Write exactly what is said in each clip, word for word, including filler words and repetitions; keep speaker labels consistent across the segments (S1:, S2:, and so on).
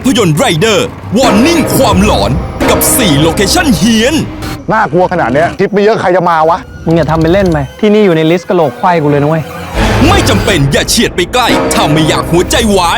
S1: พยนตร์ไรเดอร์วอร์นิ่งความหลอนกับสี่โลเคชั่นเฮี้ยน
S2: น่ากลัวขนาดเนี้ยทิปไม่เยอะใครจะมาวะ
S3: มึงอย่าทำเป็นเล่นไปที่นี่อยู่ในลิสต์กะโหลกไขว้กูเลยนะเว้ย
S1: ไม่จำเป็นอย่าเฉียดไปใกล้ถ้าไม่อยากหัวใจวาย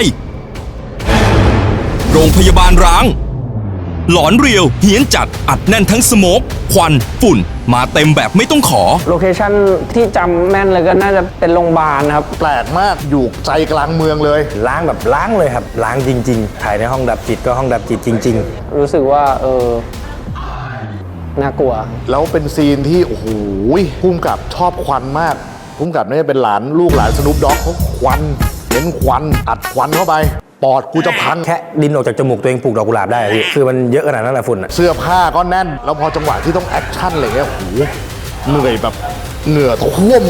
S1: โรงพยาบาลร้างหลอนเรียวเฮี้ยนจัดอัดแน่นทั้งสโมกควันฝุ่นมาเต็มแบบไม่ต้องขอ
S3: โลเคชั่นที่จำแม่นเลยก็น่าจะเป็นโรงพยาบาลครับ
S2: แปลกมากอยู่ใจกลางเมืองเลย
S4: ล้างแบบล้างเลยครับล้างจริงๆถ่ายในห้องดับจิตก็ห้องดับจิตจริง
S3: ๆรู้สึกว่าเออน่ากลัว
S2: แล้วเป็นซีนที่โอ้โหพุ่มกับชอบควันมากพุ่มกับนี่เป็นหลานลูกหลานสนุปด็อกเขาควันเห็นควันอัดควันเข้าไปปอดกูจะพัง
S4: แค่ดินออกจากจมูกตัวเองปลูกดอกกุหลาบได้พี่คือมันเยอะขนาดนั้นแหละฝุ่น
S2: เสื้อผ้าก็แน่นแล้วพอจังหวะที่ต้องแอคชั่นอะไรเงี้ยโอ้โหเหนื่อยแบบเหงื่อท่วม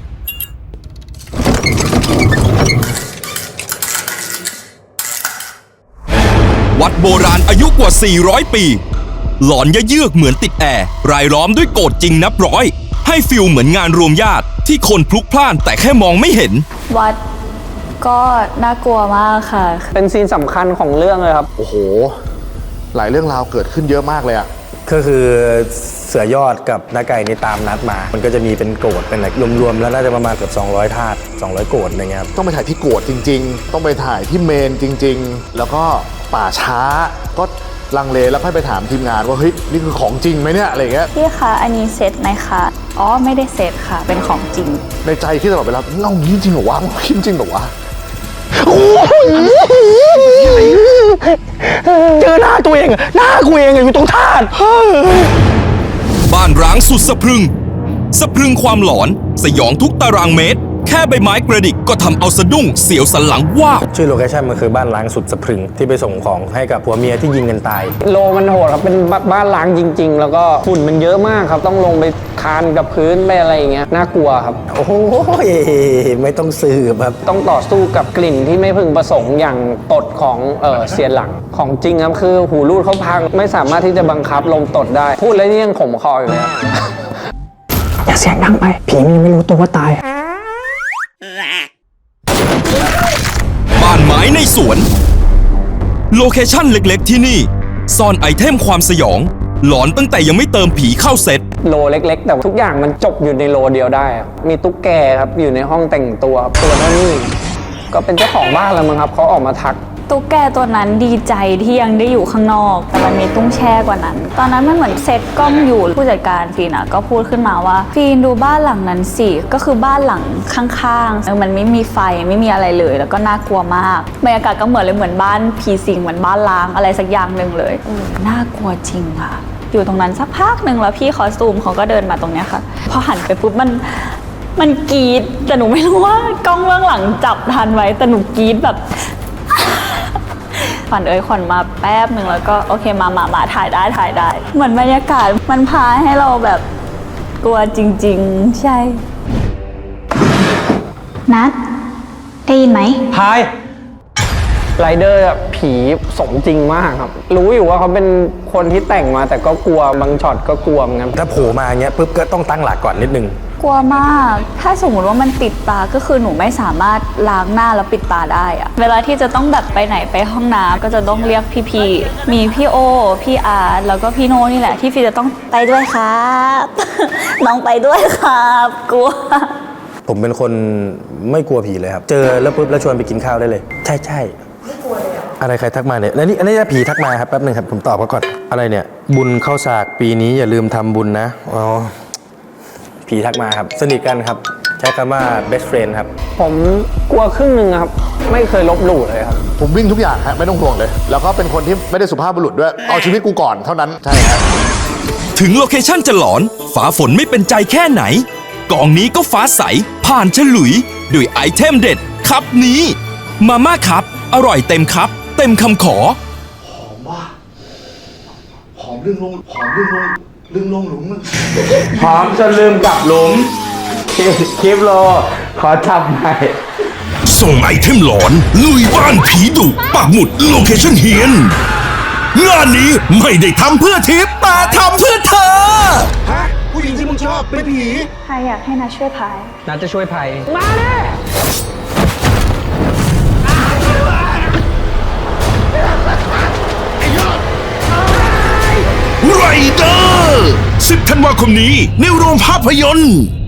S1: วัดโบราณอายุกว่าสี่ร้อยปีหลอนยะเยือกเหมือนติดแอร์รายล้อมด้วยโกรธจริงนับร้อยให้ฟิลเหมือนงานรวมญาติที่คนพลุกพล่านแต่แค่มองไม่เห็น
S5: วัดก็น่ากลัวมากค่ะ
S3: เป็นซีนสำคัญของเรื่องเลยครับ
S2: โอ้โหหลายเรื่องราวเกิดขึ้นเยอะมากเลยอะ
S4: ก็คือเสือยอดกับน้าไก่นี่ตามนัดมามันก็จะมีเป็นโกรธเป็นอะไรรวมๆแล้วน่าจะประมาณเกือบสองร้อยธาตุสองร้อยโกรธอะไรเงี้ยครับ
S2: ต้องไปถ่ายที่โกรธจริงๆต้องไปถ่ายที่เมนจริงๆแล้วก็ป่าช้าก็ลังเลแล้วค่อยไปถามทีมงานว่าเฮ้ยนี่คือของจริงไหมเนี่ยอะไรเงี้ย
S5: พี่คะอันนี้เซตไหมคะอ๋อไม่ได้เซตค่ะเป็นของจริง
S2: ในใจคิดตลอดเวลาเงานี้จริงเหรอวะคิดจริงเหรอวะ
S3: เจอหน้าตัวเองหน้ากูเองอยู่ตรงธาตุ
S1: บ้านร้างสุดสะพรึงสะพรึงความหลอนสยองทุกตารางเมตรแค่ใบไม้กระดิกก็ทำเอาสะดุ้งเสียวสันหลังว่า
S4: ชื่อโลเคชั่นมันคือบ้านล้างสุดสะพรึงที่ไปส่งของให้กับผัวเมียที่ยิงกันตาย
S3: โลมันโหดครับเป็นบ้านล้างจริงๆแล้วก็ฝุ่นมันเยอะมากครับต้องลงไปคานกับพื้นไปอะไรอย่างเงี้ยน่ากลัวครับ
S4: โอ้โหไม่ต้องสืบครับ
S3: ต้องต่อสู้กับกลิ่นที่ไม่พึงประสงค์อย่างตดของเออเสียหลังของจริงครับคือหูรูดเขาพังไม่สามารถที่จะบังคับลมตดได้พูดแล้วนี่ยังขมคออยู่เลยอย่าเสียงดังไปผีมันไม่รู้ตัวว่าตาย
S1: บ้านไม้ในสวนโลเคชั่นเล็กๆที่นี่ซ่อนไอเทมความสยองหลอนตั้งแต่ยังไม่เติมผีเข้าเซต
S3: โลเล็กๆแต่ทุกอย่างมันจบอยู่ในโลเดียวได้มีตุ๊กแกครับอยู่ในห้องแต่งตัวตัวเท่านี้ก็เป็นเจ้าของบ้านแล้วมั้งครับเขาออกมาทัก
S5: ตุ๊กแกตัวนั้นดีใจที่ยังได้อยู่ข้างนอกแต่มันมีตุ้งแช่กว่านั้นตอนนั้นมันเหมือนเซตกล้องอยู่ผู้จัดการฟีนก็พูดขึ้นมาว่าฟีนดูบ้านหลังนั้นสิก็คือบ้านหลังข้างๆมันไม่มีไฟไม่มีอะไรเลยแล้วก็น่ากลัวมากบรรยากาศก็เหมือนเลยเหมือนบ้านผีสิงเหมือนบ้านล้างอะไรสักอย่างหนึ่งเลยน่ากลัวจริงค่ะอยู่ตรงนั้นสักพักหนึ่งแล้วพี่คอสตูมเขาก็เดินมาตรงเนี้ยค่ะพอหันไปปุ๊บมันมันกรี๊ดแต่หนูไม่รู้ว่ากล้องเบื้องหลังจับทันไว้แต่หนูกรี๊ดแบบขวัญเอ้ยขวัญมาแป๊บหนึ่งแล้วก็โอเคมามามาถ่ายได้ถ่ายได้เหมือนบรรยากาศมันพาให้เราแบบกลัวจริงๆใช่นัดได้ยินไหม
S3: พายไรเดอร์ผีสมจริงมากครับรู้อยู่ว่าเขาเป็นคนที่แต่งมาแต่ก็กลัวบางช็อตก็กลัวเหมือนกัน
S4: ถ้าโผล่มาอย่างเงี้ยปุ๊บก็ต้องตั้งหลักก่อนนิดนึง
S5: กลัวมากถ้าสมมติว่ามันปิดตาก็คือหนูไม่สามารถล้างหน้าแล้วปิดตาได้อะเวลาที่จะต้องแบบไปไหนไปห้องน้ำก็จะต้องเรียกพี่ๆมีพี่โอพี่อาร์แล้วก็พี่โนนี่แหละที่ฟีจะต้องไปด้วยครับ น้องไปด้วยครับกลัว
S4: ผมเป็นคนไม่กลัวผีเลยครับเจอแล้วปุ๊บแล้วชวนไปกินข้าวได้เลยใช่ใช่ไม่กลัวเลยอะไรใครทักมาเนี่ยแล้วนี่อันนี้ผีทักมาครับแป๊บนึงครับผมตอบเขาก่อนอะไรเนี่ยบุญเข้าสากปีนี้อย่าลืมทำบุญนะอ๋อผีทักมาครับสนิทกันครับใช้คำว่า best friend ครับ
S3: ผมกลัวครึ่งหนึ่งครับไม่เคยลบหลู่เลยครับ
S2: ผมวิ่งทุกอย่างฮะไม่ต้องห่วงเลยแล้วก็เป็นคนที่ไม่ได้สุภาพบุรุษด้วยเอาชีวิตกูก่อนเท่านั้นใช่ครับ
S1: ถึงโลเคชั่นจะหลอนฟ้าฝนไม่เป็นใจแค่ไหนกองนี้ก็ฟ้าใสผ่านฉลุยด้วยไอเทมเด็ดครับนี้มาม่าครับอร่อยเต็มครับเต็มคำขอ
S2: หอมว่ะหอมลึงลงหอมลึงลงลึงลงหลุมมัน
S3: หอมจนลืมกลับหลุมคลิปโลขอจับหน่อย
S1: ส่งไอเทมหลอนลุยบ้านผีดุปักหมุดโลเคชั่นเฮียนงานนี้ไม่ได้ทำเพื่อทิปแต่ทำเพื่อเธอ
S2: ฮะผู้หญิงที่มึงชอบเป็นผี
S5: ใครอยากให้นาช่วยพาย
S3: นาจะช่วยพายมาแน่
S6: เดอร์สิบธันวาคมนี้ในโรงภาพยนตร์